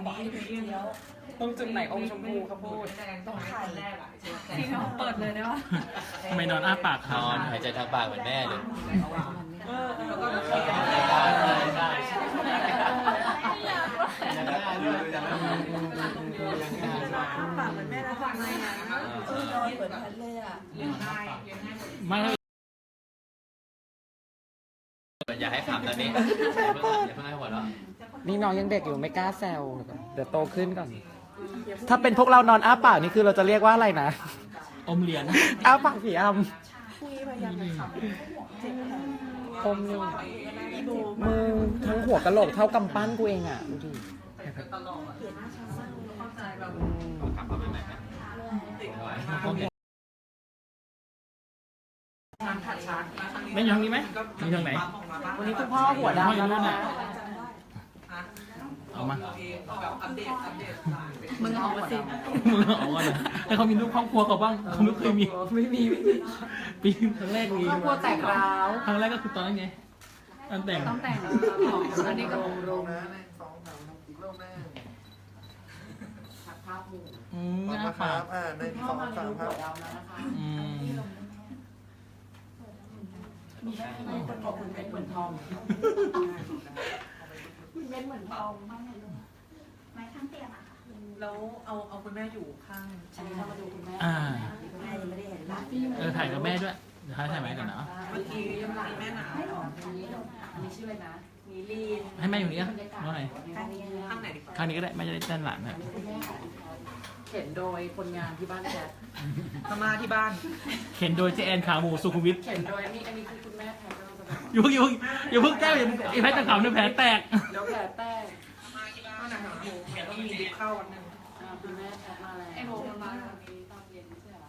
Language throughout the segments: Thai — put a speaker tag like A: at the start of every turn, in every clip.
A: ตรงจุดไหนอมชมพูครับพูดต้องไข่ที่เขาเปิดเลยได้ปะ
B: ไม่นอนอ้าปาก
C: นอนหายใจทางปากเหมือนแม่เลย
A: แล้วก็ปากเหมือนแม่แล้วทำไมอ่ะ
D: นอนเหมือนฉันเลยอ่ะ
B: ไม่
C: อย่าให้ขำตอนนี้อย่าเพิ่งให้หัวเราะ
A: นี่น้องยังเด็กอยู่ไม่กล้าแซวเดี๋ยวโตขึ้นก่อนถ้าเป็นพวกเรานอนอ้าปากนี่คือเราจะเรียกว่าอะไรนะ
B: อมเหรียญ
A: อ้าปากผีอ
D: คุยพยายามจะขำเจ็บแผล
A: ำอมอยู่มือทั้งหัวกะโหลกเท่ากำปั้นกูเองอ่ะดูดิ
C: กลับมาใหม่ไหม
B: ไม่อยู่ทางนี้ไหมมีทางไหน
A: วันนี้คุณพ่อหัวดำแล้วนะ
B: เอามา
A: มึงเอามาสิ
B: มึงเอาก่อนนะให้เขามีรูปครอบครัวเขาบ้างเขาไม่เคยมี
A: ไม่มี
B: ปีครั้งแรกมี
A: ครอบครัวแตกร้าว
B: ครั้งแรกก็คือตอนนั้นไงตอนแต่ง
A: ต้องแต่งอันนี้ก็ลงนะอีกรอบแม่ภาพหมู่
B: อ้า
E: ค
B: ปา
E: รั
B: ก
E: บ1 2 3ครับ
A: ดำแล้วนะคะ
B: อืม
A: ขอบคุณเม็ดเหมือนทองคุณเม็ดเหมือนทองมากเลยลูก
D: ไม้ข้างเตียงอ่ะ
A: แล้วเอาคุณแม่อยู่ข้างอันนี้เรามาดูคุณแม่
B: อ่า
D: แม่ยังไม่ได้เห็นหลาน
B: ถ่ายกับแม่ด้วยเดี๋ยวถ่ายไหมก่อนนะ
A: เมื่อกี้ยังหลานแม่หนาวอันนี้ชื่ออะไรนะมีลีน
B: ให้แม่อยู่นี่อ่ะน้องไหน
D: ข้างนี้
A: ข้างไหนดี
B: คราวนี้ก็ได้แม่จะได้เต้นหลานนะ
A: เข็นโดยคนงานที่บ้านแจ๊พม่าที่บ้าน
B: เข็นโดยเจแอนขาหมูสุขุมวิท
A: เข็นโดยอันนี้คือคุณแม่แพทย์ก็จะแบบ
B: อย่าเพิ่งแก้วอย่าไอ้แพทย์ตะขำเนี่ยแผลแตก
A: เดี๋ยวแผลแตกมาที่บ้านหนังหมูเดี๋ยวต้องมีดิบเข้าวันนึงคุณแม่แพทย์มาแล้วไอ้โบมันมาตอนเย็นไม่ใช่เหรอ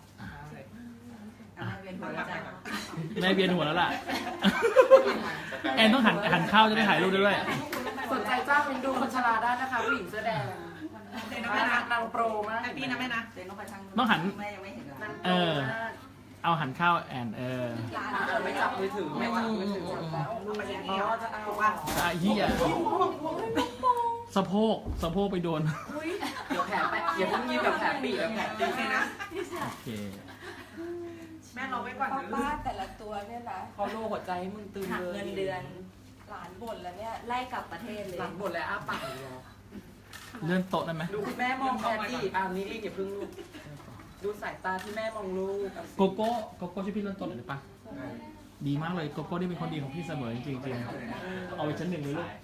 B: แม่เบียนหัวแล้วล่ะ แอนต้องหันเข้าจะได้ถ่ายรูปด้วย
A: สนใจจ้างเป็นดูคนชราได้นะคะผู้หญิงเสื้อแดงนางโปรมากพี่นะแม่นะ
B: ต้องหัน
D: แม่ยังไม่เห็นหลาน
B: เอาหันเข้าแอน
A: ไม่จับมือถือไม่วางมือถือเพราะว่าจะเอาว่า
B: เหี้ยสะโพกไปโดน
A: เดี๋ยวแผลไปอย่าเพิ่งยิ้มแบบแผลปีกแบบแผลตีนะ
B: โอเค
A: แม่รอไว้ก่อน
D: ป้าแต่ละตัวเนี่ยนะ
A: เขาโลหัวใจให้มึงตึง
D: หัก
A: เลย
D: เงินเดือนหลานบ่นแล้วเนี่ยไล่กลับประเทศเลย
A: หลังบทและอ้าปาก
B: เลื่อนโต๊ะได้ไหม
A: ดูคุณแม่มองแพทตี้นี่อย่าเพิ่งลูกดูสายตาที่แม่มองลูก
B: โกโก้ช่วยพี่เลื่อนโต๊ะหน่อยได้ปะดีมากเลยโกโก้นี่เป็นคนดีของพี่เสมอจริงๆเอาไปชั้น 1เลยลูก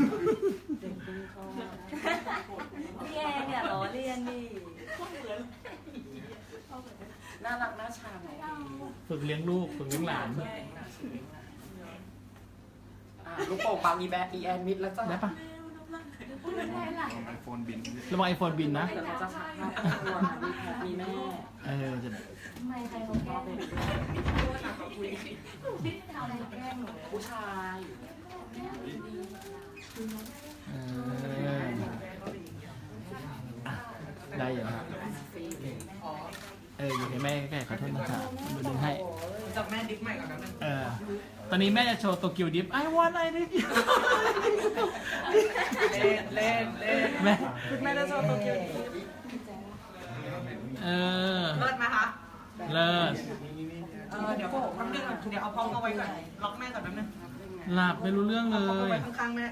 D: พี่แอนเนี่ยล้อเลียนนี่
A: น่ารักน่าชัง
B: ฝึกเลี้ยงลูกฝึกเลี้ยงหลาน
A: ลูกโป่งปามีแบอีแอนมิดแล้วจ้ะ
B: ได้ปะ
E: ไอโฟนบิน
B: ระวังไอโฟนบินนะ
A: เดี๋ยวเราจะฉากภาพครอบครัวมีแม่
B: จะ
A: ผู้ชาย
B: ได้อยู่ครับอยู่ให้แม่ใกล้ๆขอโทษนะครับดึงให้
A: จับแม่ดิฟใหม่ก่อนนะนึง
B: ตอนนี้แม่จะโชว์โตเกียวดิฟ I want I need you
A: เล่น
B: แม่
A: คุณแม่จะโชว์ตัวเกียว
B: เลิศ
A: ไหมคะ
B: เลิศ
A: เดี๋ยวแป๊บนึงเดี๋ยวเอาพร้อมเอาไว้ก่อนล็อกแม่ก่อนแป๊บนึง
B: หลับไม่รู้เรื่องเล
A: เอาไว้
B: ย
A: ข้างๆแม่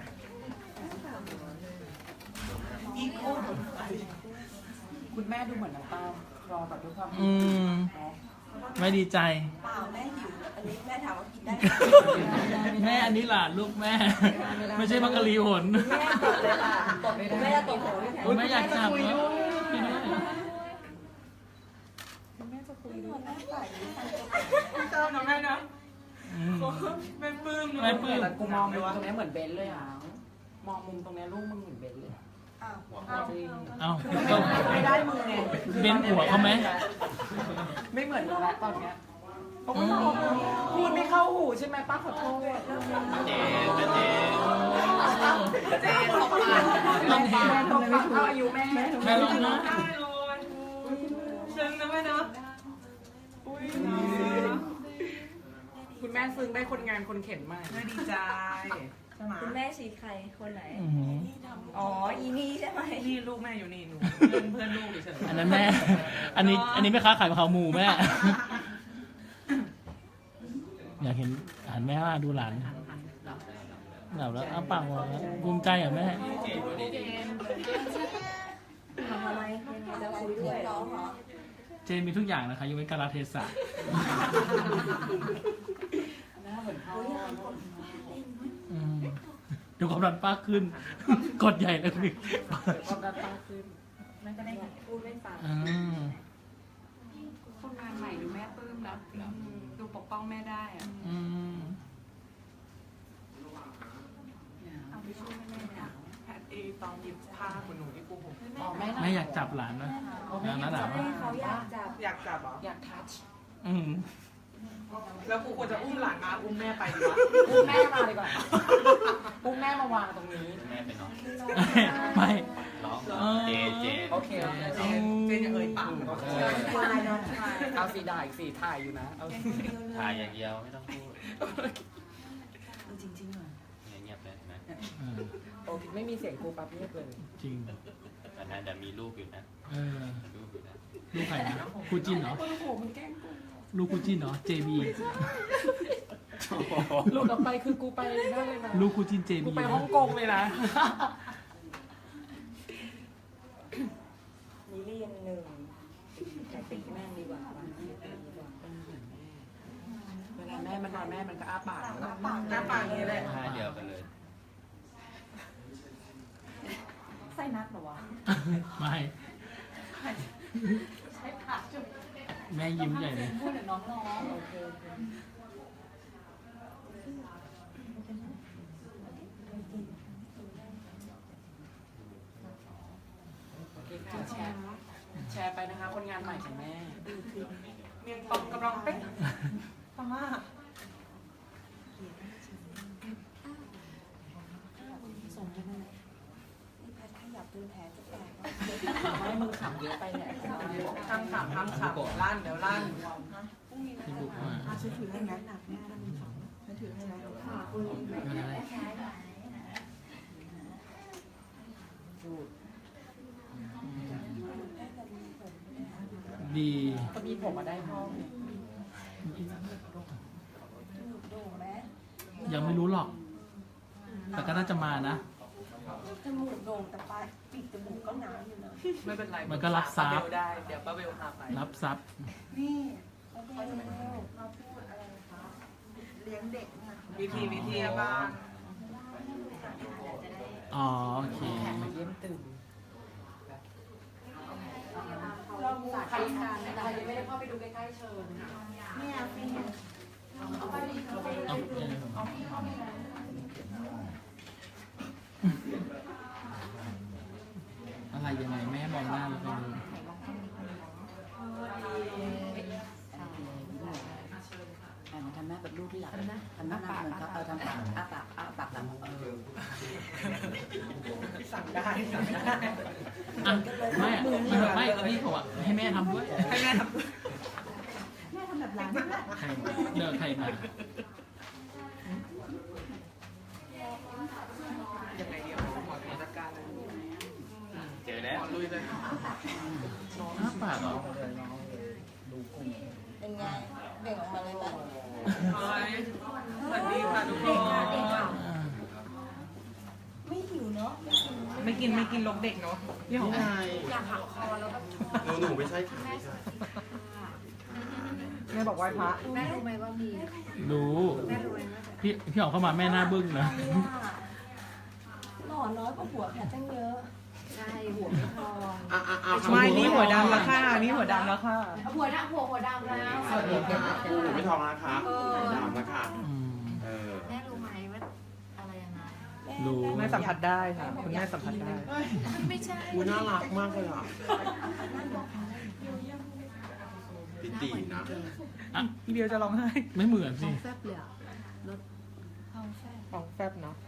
A: อีกโอ้คุณแม่ดูเหมือนน้ำตาคลอแบบด้วยความ
B: ไม่ดีใจ
D: เปล่าแม่หิวอันนี้แม่ถามว่ากินได้
B: แม่อันนี้หลานลูกแม่ ไม่ใช่มังกรลีหน
D: แม่ตดเลยค่ะตดแม่ตดโหย
B: โอ้ยแม่อยากจับเหรอพี่ด้วย
D: แม่จะคุยด้วยแม่ใส่
A: เจ้าน้องแม่นะแม่ปลื้มแต่กูมองมุมตรงนี้เหมือนเบนเลยอ่ะมองมุมตรงนี้ลูกมึงเหมือนเบนเลย
D: อ้าว
A: จริง
B: เอ้า
A: ไม่ได้มือไง
B: เบ้นหัวเขาไหม
A: ไม่เหมือนแล้วตอนเนี้ยพูดไม่เข้าหูใช่ไหมป้าขอโทษเจนตกปากเท่าอายุแม่
B: แม่ลองนะ
A: ซึ้งนะแม่เนาะคุณแม่ซึ้งได้คนงานคนเข็นมากแม่ดีใจใช่ไหม
D: คุณแม่ชี้ใครคนไหน
B: อื้อหือ
D: อ๋อ อีนี่ใช่ไหม
A: นี่ลูกแม่อยู่นี่หนูเพื่อนลูกเฉย
B: อันนั้นแม่ อันนี้ไม่ค้าขายมะพร้าวหมูแม่ อยากเห็นหันแม่ว่าดูหลานหลับแล้วอ้าปากวะภูมิใจเหรอแม่
D: ทำอะไรยังไงจะคุยด้วยน้องเหรอ
B: เจนมีทุกอย่างนะคะยกเว้นกาลเทศะ
A: หน้าเหมือนพ่อ
B: อืมดูความดันป้าขึ้น กดใหญ่เลยพี่
A: ความดันตั้งขึ้น
D: มันก็ได้พูดไม่ฟัง
B: อืม
F: คนงานใหม่ดูแม่ปลื้มนะดูปกป้องแม่ได้อะ
B: อืม
F: เอาไปช่วยแม่หนาว
A: แพทย์ตอนหยิบผ้าคุณหนูที่ปูผม
B: แม่อยากจับหลานนะหลานหนาว
D: ให้เขาอยากจับ
A: อยากจับเหรอ
F: อยากทัช
B: อืม
A: แล้วกูควรจะอุ้มหลานมาอุ้มแม่ไปดีวะ
F: อุ้มแม่มาดีกว่าอุ้มแม่มาวางตรงนี้
C: แม่ไปนอน
B: ไม่
C: ร้องเจเจ
A: โอเคโอเคเจนอย่าเอ่ยปาก
D: ควายน้องควาย
F: เอาสีด่าอีกสีถ่ายอยู่นะเอา
C: ถ่ายอย่างเดียวไม่ต้องพูด
F: จริงๆเหรอ
C: เงียบๆเลยนะ
B: เออ
F: โอเคไม่มีเสียงครูปั๊บเงียบเลย
B: จริง
C: อันนั้นเดี๋ยวมีรูปอยู่นะ
B: เออ
C: รูปอยู่นะ
B: ลูกใครนะคู่จิ้นเหรอ
F: โอ้โหมันแกล้งกู
B: ลูกคู่จิ้นเหรอ JB
F: หลุดออกไปคือกูไปได้เลยนะ
B: ลูกคู่จิ้น JB
F: กูไปฮ่องกงเลยนะ
D: นี่เรียนหนึ่งแต่ตีแม่งดีกว่า
F: เวลาแม่มันนอนแม่มันก็อ้าปาก
A: หน้าปากอย่างนี้เลย
C: ท่าเดียวกันเลย
D: ไส้นัดเหรอวะ
B: ไม่ แม่ยิ้มใหญ่เลย
F: พูดถึงน้องๆโอเค แชร์ไปนะคะคนงานใหม่ของแม่
A: เมียงตองกำลังเป๊ะพม่า
D: นี่แพทขยับจนแผลจะแตก
F: ไม่มึงขำเยอะไปเนี่ย
A: ทำขำลั่นเดี๋ยวลั่น
B: ที่บุกมา
D: ช่วยถือให้นะหนักแม่ช่วยถือให้นะค่ะคุณ
B: ไม่เป็นไรดี
F: ก็มีผมมาได้ห้อง
D: โด่งไหม
B: ยังไม่รู้หรอก แต่ก็น่าจะมานะ
D: จมูกโด่งแต่ปลายปีกจมูกก็หนาอยู่นะ
A: ไม่เป็นไร
B: มันก็รับทรัพย์
A: ป้าเบลได้เดี๋ยวป้าเบลพาไป
B: รับทรัพย์
D: นี่เขาจะมาพูดอะไรคะเลี้ยงเด็กนะ
A: วิธีบ้าง
B: อ๋อ โอเค
F: มาเยี่ยมตื่น
D: เรา
F: ใครยังไม่ได้เข้าไปดูใกล้ๆเชิญ
D: เนี่ยเป็น
B: อะไรยังไงแม่มองหน้าเราไปเลย
F: ทำหน้าแบบลูกที่หลังทำหน้าเหมือนเขาทำปากอ้าปากหลัง
A: สั่งได้สั่งได้
B: อ่ะไม่นี่เขาอะให้แม่ทำด้วย
A: ให้แม่ทำ
D: แม่ทำแบบร้าน
B: ใครเลิกใครมา
A: ยังไงเดียวหมอจัดการเลย
C: เจอแล้ว
A: ลุยเลย
B: อ้าปากเหรอ
D: เป็นไงเบ่งออกมาเลยไหม
A: สวัสดีค่ะทุกคน
D: ไม่หิวเนาะ
A: ไม่กินลกเด็กเนาะพี่หอม
D: อยากหักคอแล้วก็
E: หนูไม่ใช่ค่ะไม่ใช่
A: แม่บอกไหว้พระ
D: แม่รู้ไหมว่ามี
B: รู้
D: แม่รู้ไหมว่า
B: พี่ออกเข้ามาแม่หน้าบึ้งนะ
D: หล่อน้อยกว่าหัวแพทตั้งเยอะใช่หัวไม่พอ
A: ไม่นี่หัวดำแล้วค่ะนี่หัวดำแล้วค่ะ
F: หัวดำแล้ว
E: สวัสดีค่ะหนูไม่ทองนะคะดำแล้วค่ะ
B: อืม
D: แม่รู้ไหมว่าอะไรยังไง
B: รู้
A: แม่สัมผัสได้ค่ะคุณแม่สัมผัสได้
D: ไม่ใช่
E: กูน่ารักมากเลยอ่ะปิตินะ
B: อ่ะ
A: พี่เบียวจะร้องไห้
B: ไม่เหมือนสิ
F: แฟบเลยอ่ะ
A: ของแฟบเนาะ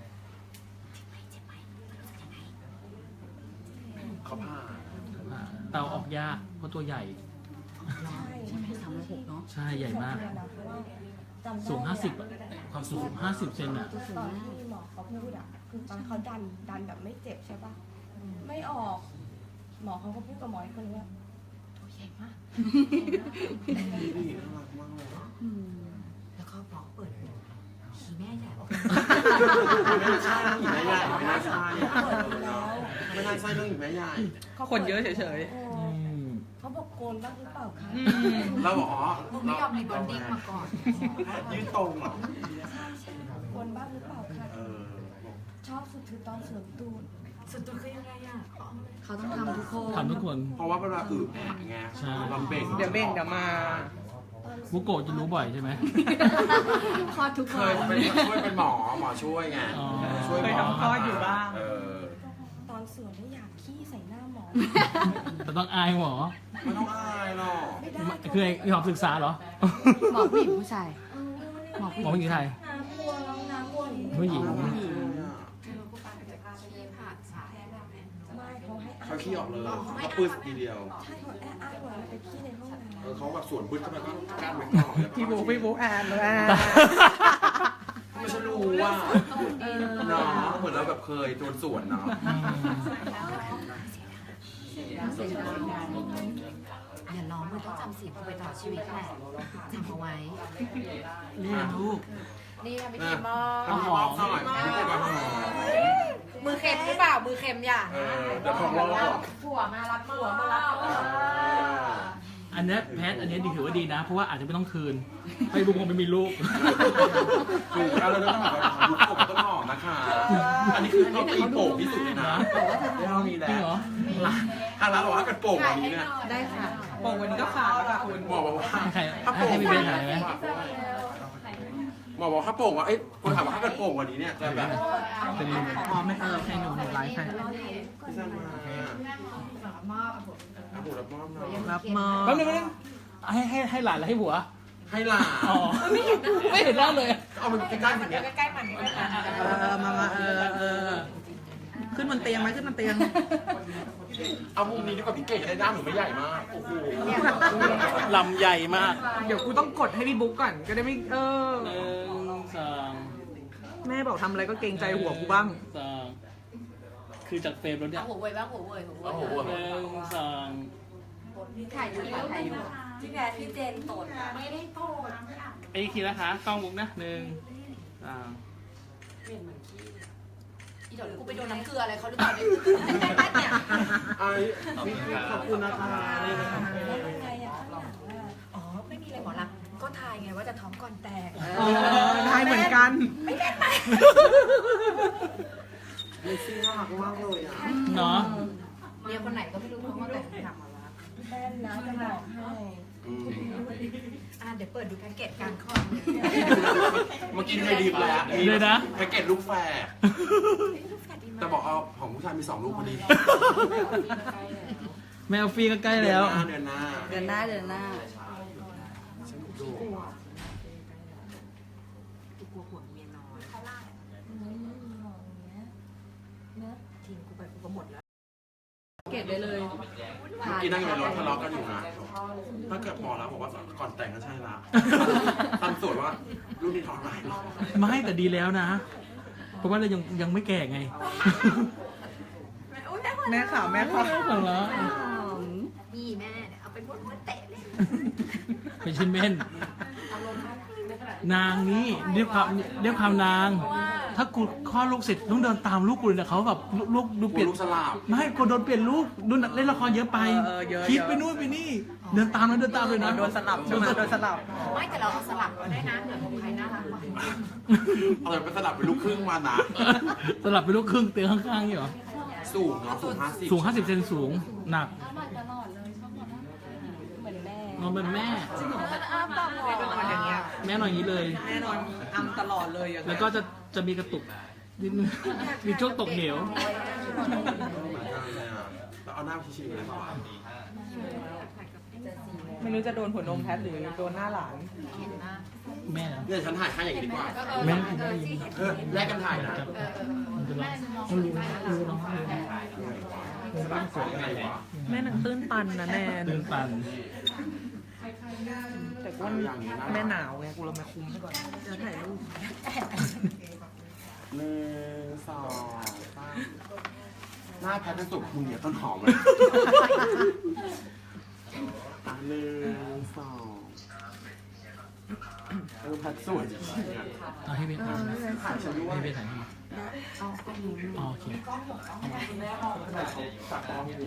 E: เขาผ่า
B: เตาออกยากเพราะตัวใหญ่
F: ใช่ไหม306เนาะ
B: ใช่ใหญ่มาก สูง 50อะความสูง50 เซนอะ
D: ตอนที่หมอเขาพูดอ่ะคือตอนเขาดันแบบไม่เจ็บใช่ปะไม่ออก หมอเขาก็พูดกับหมออีกคนนึงว่าตัวใหญ่มาก
E: ดีน่ารักมากเลยอะ
F: แล้วก็บอกเปิดขี่แม่ใหญ่ออก
E: ไม่น่าใช่หญิงแม่ใหญ่ไม่น่าใช่อะ
D: เปิดอยู่แล้ว
E: ไม่น่าใช่เรื่องหญิงแม่ใหญ่
A: คนเยอะเฉย
D: โอ้เขาบอกโกนบ้างหรือเปล่าคะ
E: เราบอกอ๋อ
F: มึงไม่ยอมรีบอนดิ้งมาก่อน
E: ยืดตรงเหรอ
D: ใช่โกนบ้างหรือเปล่าคะ
E: เออบอก
D: ชอบสุดคือตอนสวมตูด
F: สุดตัวคือยังไงอ่ะเขาต้องทำทุกคน
B: ทำทุกคน
E: เพราะว่าเวลาอึแผลไง
B: ใช่
E: ลำเบ่ง
A: ๆ เดี๋ยวเบ่งเดี๋ยวมา
B: บุโกะจะรู้บ่อยใช่ไหม
F: คลอดทุก
E: เค
F: คน
E: ยเป็นช่วยเป็นหมอช่วยไง
B: อ๋อ
E: ช่วยหม
A: เคยทำคลอดอยู่บ้าง
E: เออ
D: ตอนสวมไม่อยากขี้ใส่หน้าหมอ
B: แต่ต้องอายหมอ
E: ไม่ต้องอายหรอก
D: ไม่ได้
B: คือไอ้หอมศึกษาเหรอ
F: หมอผู้หญิงผู้ชาย
B: หมอผู้หญิงไทย
D: น้ำบัวน้องน้ำบัว
B: ผู้หญิง
D: ไม่เขาให้
E: เขาขี้ออกเลยเขาปื้ดทีเดียว
D: ใช่เขาแอ้เหมือนไปขี้ในห้องน้ำ
E: เขาแบบสวนปื้ดเข้าไปก็กั้นไว้ก่อนแล้วก็
A: พี่บุ๊กอ่านเลย
E: ไม่ใช่รู้ว่าเนาะเหมือนเราแบบเคยโดนสวนเนาะ
F: อย่าร้องมันต้องจำศีลไปตลอดชีวิตแหละจำเอาไว้
B: นี่ลูก
F: นี่ทำพิ
E: นะ
F: ธีมอ
E: ทำหอมหน่อยไม่ใช่แบบหอม
F: มือเค็มหรือเปล่า มือเค็มอย่า
E: เดี๋ยวของเราหรอก
F: ผัวมารับผัวมารับ
B: อันเนี้ยแพทอันเนี้ยดีถือว่าดีนะ เพราะว่าอาจจะไม่ต้องคืนไปบุกคงไม่มีลูก
E: ถูกแล้วเราต้องหอมยุคผมต้นหอมนะคะ อันนี้คือเขาตีโป่งที่สุดเลยนะไม่เอามีแล้
B: จริง
E: ว
B: เหรอ
E: ทางร้านบอกว่ากันโป่งวันนี้เนี่ย
F: ได้ค่ะ
A: โป่งวันนี้ก็ขาดแล้วค่ะคุณ
E: หมอบอกว่า
B: ใคร
E: ถ้าโป่ง
B: ให้พี่เบนถ่ายไหม
E: หมอบอกถ้าโป่งว่าเอ้ยคนถามว่าถ้าเกิดโป่งวันนี้เนี่ยจะแบบ
B: เป็น
A: อ๋อไม่ให้หนูไลฟ์ให้
E: ไม่ใช่มาอาบุรับมอบหน่อย
A: รับมอ
B: แป๊บนึงให้หลานแล้วให้ผัว
E: ให้หลาน
B: อ๋อไม่เห็นหน้าเลย
E: เอามันใกล้ๆอย่างเงี้ย
A: มาขึ้นบนเตียงไหมขึ้นบนเตียง
E: เอามุมนี้ดีกว่าพี่เก่งจะได้หน้าหนูไม่ใหญ่มาก โอ้โห
B: ลำใหญ่มาก
A: เดี๋ยวกูต้องกดให้พี่บุ๊กก่อนก็ได้ไม่
B: หนึ่งสอง
A: แม่บอกทำอะไรก็เกรงใจหัวกูบ้าง
B: สองคือจากเฟรมแล้วเนี่ย
F: หัวเว่ยบ้างหัวเว่ยหัว
E: โอ้โห
B: หนึ่งสอง
F: ถ่ายอยู่ถ่ายอยู่
D: ที่แพทที่เจนตดไม่ได้ตด
B: ไอ้ทีนะคะกล้องมุกนะหนึ่งสอง
F: อีเดี๋ยวกูไปโดนน้ำเกลืออะไรเขาหรือเปล่าเนี่ย
E: ไอ้ขอบคุณนะคะนี่นะครับ
D: ไงอะข้างหลังอะ
F: อ๋อ ไม่มีอะไรหมอรักก็ทายไงว่าจะท้องก่อนแตก
A: ทายเหมือนกัน
E: เลซี่น่ารักมากเลยอ่ะ
B: เนาะ
F: เมียคนไหนก็ไม่รู้ท้องก่อนแตกถามหมอรัก
D: แป้นนะจะบอกให้
F: เดี๋ยวเปิดดูแพ็กเกจการคลอด
E: เมื่อกี้เคยดีแล้ว
B: เลยนะ
E: แพ็กเกจลูกแฝดแต่บอกเอาของผู้ชายมี2 ลูกพอดี
B: แมวฟรีก็ใกล้แล้ว
E: เดือนหน้า
F: เดือนหน้า
E: ฉันดู
F: กลัวหัวเมียน้อย
D: ไม่มีหรอกอย่างเงี้ยนะ
F: ทีมกูไปกูก็หมดแล้ว
A: เกตได้เลย
E: เมื่อกี้นั่งอยู่ในรถทะเลาะกันอยู่นะถ้าเกิดหมอแล้วบอกว่าก่อนแต่งก็ใช่ละตั้งสวยว่ารุ่นนี้ท้องไร
B: ไม่แต่ดีแล้วนะ เพราะว่าเรายังไม่แก่ไง
A: แม่ข่าวแม่ข่าว
B: เอาละ
F: นี่แม่เอาไปม้วนเตะเลย
B: เป็นชิมเม่นนางนี่เรียกความนาง ถ้ากูคลอดลูกเสร็จต้องเดินตามลูกกูเลยนะเขาแบบลูกดูเปลี่ยน
E: ลูกสลับ
B: ไม่กูโดนเปลี่ยนลูกดูเล่นละครเยอะไป
A: เยอะ
B: คิดไปนู่นไปนี่ เดินตามเลยนะ
A: โดนสลับใช่ไหมโดนสลับ
F: ไม่แต่เราเอาสลับก็ได้นะเหนือของใครน่ารักกว่า
E: เอาแต่ไปสลับเป็นลูกครึ่งมานะ
B: สลับเป็นลูกครึ่งเตียงข้างๆนี่เหรอ
E: สูงเนาะสูง50
B: สูง50 เซนสูงหนัก
D: เอามาตลอดเลยชอบมาเหมือนแม่
B: นอนเป็นแม่
D: อ้าปากหว
A: เป็นคนอย่างเงี้ย
B: แม่นอนอย่างนี้เลย
A: แน่นอนอำตลอดเลยอย่าง
B: แล้
A: เงี้
B: วย ก็จะมีกระตุกนิดนึงมีช่วงตกเหว
E: เหมือนกันเลยอ่ะแล้วเอาหน้าชี้ๆเลยป่ะ
A: ไม่รู้จะโดนหัวนมแพทหรือโดนหน้าหลาน
B: แม่เหรอ
E: เนี่ยฉันถ่ายให้อย่างนี้ดีกว่า
B: แม่กินได้ยิน
E: แลกกันถ่ายนะ
B: มันจะร้องมันรู้เนาะ
E: สวยอะไรวะ
A: แม่หนังตื้นตันนะแนน
B: ตื่นตัน
A: แต่ว่าแม่หนาวไงกูเลยมาคุมให้ก่อนจะถ่ายรูป
E: 1 2 3หน้าแพทเป็นสุกคุณเนี่ยต้นหอมเลย1 2แพทสวย
B: เอาให้เบสถ่าย
E: ถ่ายฉันด้วย
B: ให้เบสถ่ายให้
D: เอาก็รู้
B: อ๋อโอเค
E: จากกล้องอยู่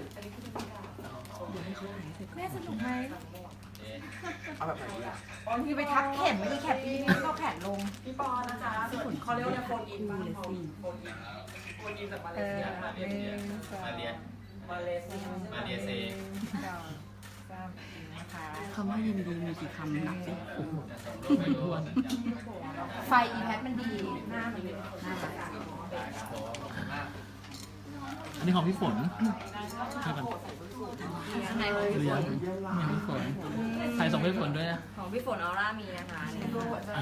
D: แม่สนุกไหม
E: เอาแบบไหนดีอ่ะ
D: บางทีไปทักเข็มไม่ได้แคปพี่นี่ก็แขนลง
A: พี่ปอนะจ๊ะเขาเรียกว่าโฟนอินเลยสิโฟนอินจากมาเลเซียมาเลเซีย
C: มาเรียน
A: มาเลเซีย
C: มาเลเซีย
F: คำว่ายินดีมีกี่คำนับสิ
D: ไฟอีแพทมันดีหน้ามันน่าจะ
B: อันนี้ของพี่ฝนให้กัน
D: ข้างในของ
B: เลี้ยงนี่ของพี่ฝนใครส่งให้ฝนด้วยนะ
D: ของพี่ฝนออร่ามีนะคะเนี่ย
B: อ่า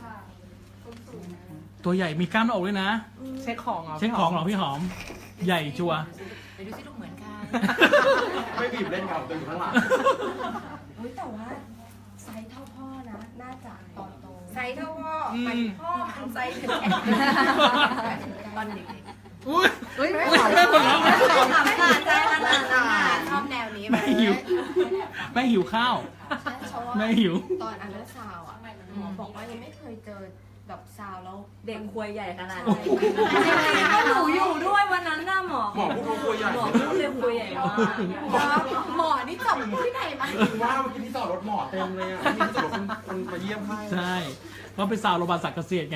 B: ตัวใหญ่มีกล้ามหน้าอกด้วยนะ
A: เช็คของเหรอ
B: เช็คของเหรอพี่หอม ใหญ่ชัวร์
F: เดี๋ยวดูสิลูกเหมือนกัน
E: ไม่บีบเล่นกับตัวอยู่ข้างหลัง
D: อุ้ยแต่ว่าไซส์เท่าพ่อนะ น่าจะตอนโตไซส์เท่าพ่อพ่อมันไซส์ถึงตอนเด็ก
B: อุ้ย
D: เฮ้ยไม่
B: แม่ปวดร้อง
D: ถามขนาดใจขนาดนั้นชอบแนวนี้
B: แม่หิวแม่หิวข้าวแม่หิว
D: ตอนอันเดอร์ซาวอ่ะหมอบอกว่ายังไม่เคยเจอแบบซาวแล้ว
G: เด็กควยใหญ่ขนาด
B: โอ้
G: นี้
B: โห
G: ก็หนูอยู่ด้วยวันนั้นน่ะหมอ
E: หมอพูดว่าตัวใหญ่
G: หมอพูดเลยควยใหญ่มาก
D: หมอนี่จบที่ไหนมา
E: ถึงว่าเมื่อกี้ที่จอดรถหมอเต็มเลยอ่ะมีที่จอดรถคนมาเยี่ยมให้
B: ใช่เพราะเป็นสาวโรงพยาบาลสักดิ์เกษตรไง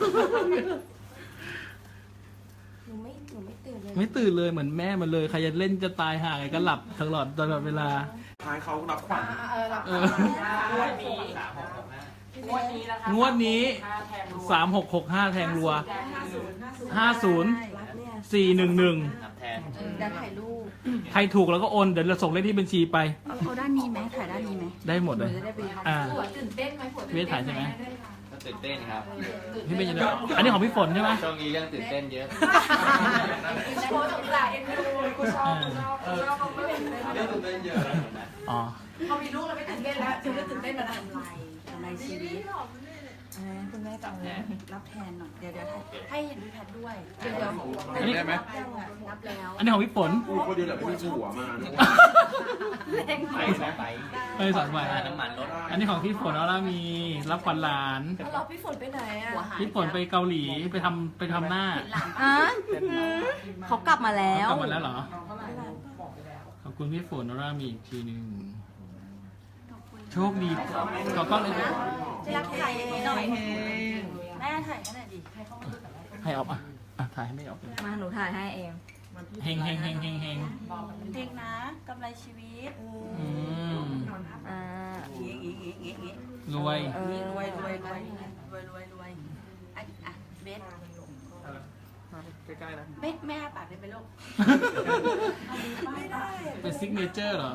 D: หนูไม่ตื่นเลย
B: ไม่ตื่นเลยเหมือนแม่มันเลยใครจะเล่นจะตายห่าไงก็หลับตลอดเวลา
E: ท้ายเขารับขวัญ
B: เออ
A: งวดนี้งวดนี้นะคะ
B: งวดนี้ 3665 แทงรัว 50
D: รักเนี่ย
B: 411
C: นับแทน
D: ดันถ่ายรูป
B: ใครถูกแล้วก็โอน เดี๋ยวเราส่งเลขที่บัญชีไป
F: เอาด้านนี้ไหมถ่ายด้านนี้ไหม
B: ได้หมดเลย
F: จะได้ไป
B: อ่า
G: ตื่นเต้นไหมปวด
B: เวทถ่ายใช่ไหม
C: ก็ตื่นเต้นครับ
B: พี่เป็นยังไงอันนี้ของพี่ฝนใช่ไหม
C: ช่วงนี้เรื่องตื่นเต้นเยอะ
G: โคตรสงสารเอ็นดูกูชอบเขาไม่เป็นเลย
E: เรื่องตื่นเต้นเยอะ
B: อ๋อ
G: พอมีลูกเราไม่ตื่นเต้นแล้วถึงจะตื่นเต้นมาแล้ว
F: ทำไรชีวิตคุณแม่จะเอารับแทนหน่อยเดี๋ยวให้เห็นพี่แพทด้วย
D: เดี๋ยว
B: อันนี้
D: นับยังอ่ะนับแล้ว
B: อันนี้ของพี่ฝน
E: กูคนเดียวแหละไม่มีผัวมา
C: ไปสองไป
B: เอ้ยสองใบ
C: ค่าน้ำมันรถ
B: อันนี้ของพี่ฝนเอาละมีรับขวัญหลาน
D: แล้วเราพี่ฝนไปไหนอ่ะ
B: พี่ฝนไปเกาหลีไปทำหน้า
G: อ่ะเขากลับมาแล้ว
B: กลับมาแล้วเหรอ ขอบคุณพี่ฝนเอาละมีอีกทีหนึงโชคดีขอก้อนเลย
G: จะรักถ่ายอย่างนี้หน่อยแม่ถ่ายให้หน่อยดิ
B: ให้ออฟอ่ะถ่ายให้ไม่ออฟเลย
G: มาหนูถ่ายให้เอง
B: เฮง
G: เพลงนะกำไรชีวิต
B: อืม
G: อ่า
B: รวย
F: รวยอ่ะเบส
A: ใกล้ๆนะ
F: แม่ปากได้ไหมลูก
D: ไม่ได้
B: เป็นซิกเนเจอร์เหรอ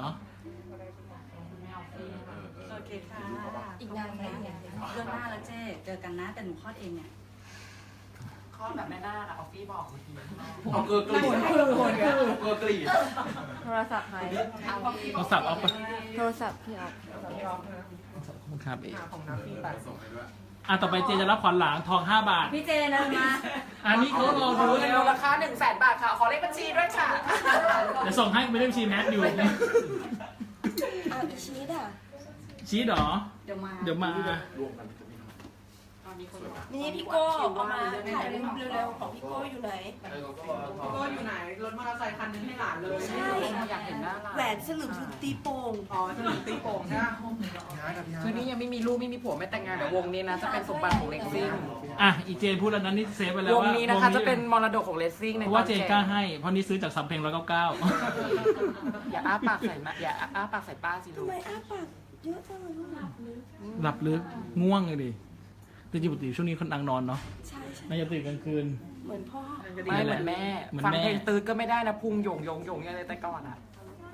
F: โอเคค่ะ
D: อีกนานไหมเนี่ย
F: เดือนหน้าแล้วเจ๊เจอกันนะแต่หนูคลอดเองเนี่ย
A: คลอดแบบแม่นาคอะออฟฟี่บอกเมื่อกี้
E: เอาเกลือกรีดเกลือกรีด
G: โทรศัพท์ใคร
B: โทรศัพท์ออฟ
G: โทรศัพท์พี่ออฟ
B: ขอบคุณครับเอง
A: ของน้ำพี่ไป
E: ส่งให้ด้วย
B: อ่ะต่อไปเจจะรับขวัญหลานทอง5 บาท
G: พี่เจนะมา
B: อันนี้เขารอดู
A: เร็วราคา100,000 บาทค่ะ ขอเลขบัญชีด้วยค่ะ
B: เดี๋ยวส่งให้ไปเล่มชีแมทอยู่
D: เอาอีชีสอ่ะ
B: ชี้เหรอ
F: เดี๋ยวมา
B: เดี๋ยวมา
E: รวมกัน
D: นี่พี่โก้เอามาถ่ายเร็วๆของพี่โก้อยู่ไหน
A: ก็อยู่ไหน รถมอเตอร์ไซค์คันนึงให้หลานเลย
D: ใช่
A: อยากเห็นหน้าหลาน
D: แหวนสลึงตีโป่ง
A: อ๋อจะหนึ่งตีโป่งใช่ไหมคือนี่ยังไม่มีลูกไม่มีผัวไม่แต่งงานเดี๋ยววงนี้นะจะเป็นสมบัติของเลสซิ่ง
B: อ่ะอีเจพูดแล้วนั้นนี่เซฟไปแล้ว
A: วง
B: ว่า
A: นี้นะคะจะเป็นมรดกของเลสซิ่งใน
B: เพราะว่าเจกล้าให้ เพราะนี่ซื้อจากสำเพ็ง199
A: อย่าอ้าปากใส่มาอย่าอ้าปากใส่ป้าสิลู
D: ทำ
A: ก
D: ไมอ้าปากเยอะจังเลยลูก
B: หลับลึกง่วงเลยดิแต่จริงๆปกติช่วงนี้คนนางนอนเนาะ
D: ใช่ใช่
B: น่าจะตื่นกลางคืน
D: เหมือนพ่อ
A: ไม่เหมือนแม่
B: เหมือน
A: ฟัง
B: แม่
A: เพลงตืดก็ไม่ได้นะพุงหยงอย่างไรแต่ก่อนอ่ะ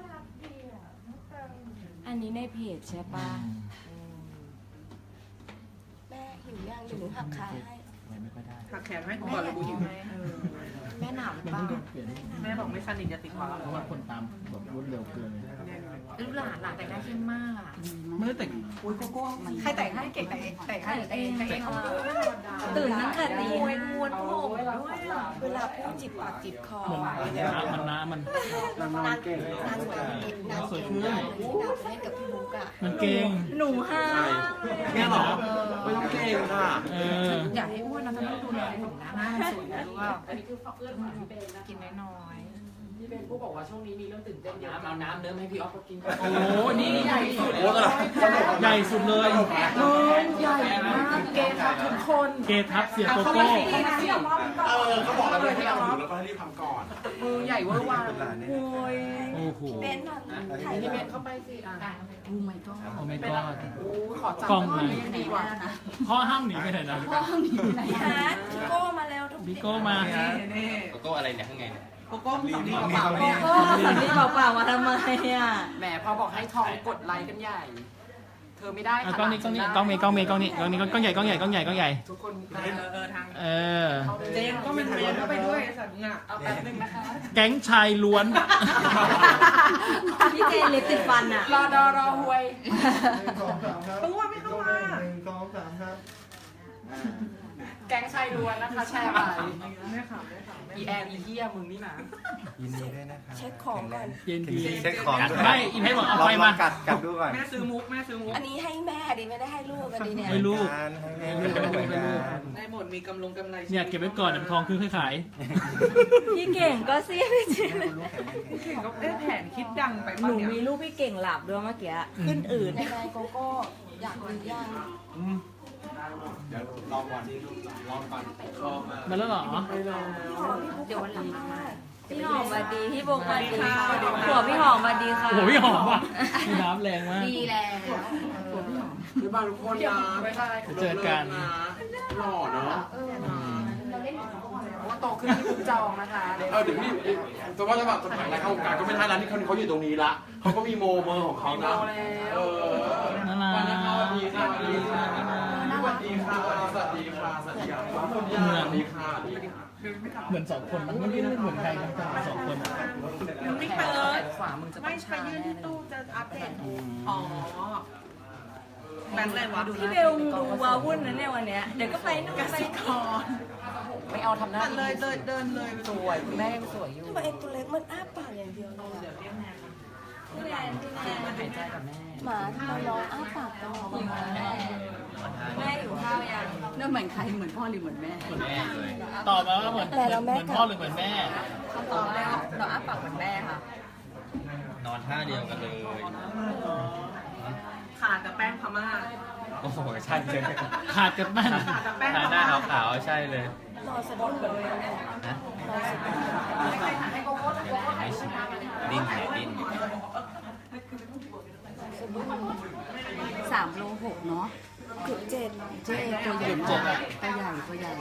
G: อันนี้ในเพจใช่ปะ
D: แม่หิวย่างเดี๋ยวหนูหักขาให้
B: ไม่ค่อยได้
A: หักแขนให้กูก่อนเลยกูหิว
G: แม่หนาวหรือ
B: มัน
G: เปล่า
B: เพิ่งเปลี่ยน
A: แม่บอกไม่สนิทจะติดคอ
B: เพราะว่าคนตามแบบรวดเร็วเกินไง
A: อ
G: ลูกหลานแต่งหน้าเข้มมากอ่ะ
B: ไม่ได้แต่ง
F: อุ้ยโกโก้มัน
G: ใครแต่งให้เก่งแต่งให้เองแต่งเอง
D: ตื่นตั้งแต่ตี
G: มวยม้วนผมด้วย
D: เวลาพูดจิบปากจิบคอ
B: มันน้ำมัน
D: นานสวยขึ้นนานเล่นกับพี่บุ๊กอ่ะ
B: มันเก่ง
D: หนูห้า
E: เนี่ยเหรอไม่ต้องเก่งค่ะ
B: เออ
G: อยากให้อ้วนนะต้องดูแลผมนะหน้าสวยรู้ว่ากินน้อย
A: พี่เป็นผู้บอกว่าช่วงนี้มีเรื่องตื่นเต้นเยอะเอาน้ำเนื้อให้พี่ออฟก็กิน
B: โอ้โหนี่ใหญ่สุด
E: โอ้ตลอด
B: ใหญ่สุดเลย
G: ใหญ่มากเกย์ทับทุกคน
B: เกทับเสียโกโก้
E: เขาบอกแล้วเลยให้เอาอยู่แล้วก็ให้รีบทำก่อน
G: มือใหญ่เวอร์วัง
B: โอ้โห
D: เป็นถ่าย
G: พี่เบนเข้าไปสิอ่ะ
F: โอ้ไม่ก็
B: โอ้ไม่กอด
G: ขอจับ
B: กล้องไหน
G: ดีกว่า
B: พ่อห้ามหนีไปไหนนะ
D: พี่ฮาร์ดพี่โก้มาแล้วทุก
B: บิโก้มา
C: โกโก้อะไรเนี่ยข้างในเนี่ย
G: โกโก้สำลีเปล่า
D: โก้สำลีเปล่าๆมาทำไมอ่ะ
A: แหมพอบอกให้ทองกดไลค์กันใหญ่ เธอไม่ได้
B: กล้องนี้กล้องนี้กล้องเมย์กล้องเมย์กล้องนี้กล้องนี้กล้องใหญ่กล้องใหญ่กล้องใหญ่กล้องใหญ่
A: ทุกคนทาง
B: เออ
A: เจนก็เป็นเรียนเข้าไปด้วยสัตว์เนี่ยเอาแป๊บนึงนะคะ
B: แก๊งชายล้วน
D: พี่เจนเล็บติดฟันอ่ะ
A: รอหวย
G: ตัวไม่เข้ามา
A: แก๊งชายล้วนนะคะแชร์ไปอีแอนอีเฮียมึงนี่นะ
H: ยินดีด้วยนะครับ
D: เช็คของก่อน
B: เย็นดี
H: เช็คของด้วย
B: ไม่อีเพชรบอกเอาไฟมา
H: กัดดูก่อน
A: แม่ซื้อมุก
D: อันนี้ให้แม่ดิไม่ได้ให้ลูกกันดิเนี่ย
B: ให้ลูก
H: ให้ลูกเหมือนกัน
A: ได้หมดมีกำไร
B: เนี่ยเก็บไว้ก่อนเดี๋ยวทองขึ้นค่อยขาย
D: พี่เก่งก็เสียพี่เจน
G: เก่งก็ได้แผนคิดดังไป
D: หนูมีลูกพี่เก่งหลับด้วยเมื่อกี้ขึ้นอื่นในนายโกโก้อยากดูย่าง
B: มาแล้วเหรอ
D: เดี๋ยววันหลังมาพี่หอมสวัสดีพี่บุ๊กสวัสดีค่ะหัวพี่หอมสวัสดีค่ะ
B: โอ้โหพี่หอมว่ะพี่น้ำแรงมาก
D: ดีแล้ว
E: พี่บ้านทุกคนนะ
B: เจอกัน
E: หล่อเนาะ
A: ว่าโตขึ้นที่บุ๊กจองนะคะ
E: เดี๋ยวพี่แต่ว่าจะแบบสมัยแรกเข้าวงการก็ไม่ทันร้านที่เขาอยู่ตรงนี้ละเขาก็มีโมเมอร์ของเขานะเออ
B: น่ารัก
E: วันนี้สวัสดีค่ะสวัสดีค่ะสวัสดีค่ะสวัสดีค่ะสวัสดีค่ะสวัสดีค่ะ
B: เหมือนสองคนนะไม่ได้เหมือนใครนะแต่สองคนอะ
A: ไม่เปิดขวามึงจะต้องชาแน่เลย
G: อ๋อแบงค์อะไรวะ
D: พี่เบลดูว้าวุ่นนะเนี่ยวันเนี้ยเดี๋ยวก็ไปนู่นไปนี่
A: ไม่เอาทำหน้า
G: เลยเดินเลย
A: สวยคุณแม่ยังสวยอยู่
D: ทำไมเอ็นตัวเล็กมันอ้าปากอย่างเดียวเลยอะพี่แนนพี่แนน
A: หายใจกับแม่
D: หมาทำไมน้องอ้าปากตลอดแม่อยู่ข้าวยัง
F: นั่นเหมือนใครเหมือนพ่อหรือเหมือนแม่
C: แม่เลย
B: ตอบมาว่าเหมือนพ่อหรือเหมือนแม่
F: คำตอบแล้วเราอ้าปากเหมือนแม่ค่ะ
C: นอนท่าเดียวกันเลย
G: ขาดแต่แป้งพม่า
C: โอ้โหใช่เลย
B: ขาดกันบ้าน
C: ทาหน้าขาวๆใช่เลย
D: นอนสะดุ้งเลย
C: นะ
D: นอนสะดุ้ง
C: ไม่ชิดิ้นดิ้น
F: 3 โล 6 เนาะ
D: จุดเจ็ด
F: เจ๊ตัวใหญ่ตัวใหญ่ตัวใหญ่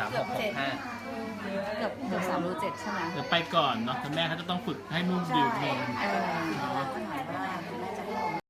C: 3665
F: เกือบ3 โล 7 ใช่ไหม
B: เดี๋ยวไปก่อนเนาะแต่แม่เขาจะต้องฝึกให้นุ่มดิวเอง
F: เราก็ถามว่าคุณแม่จะ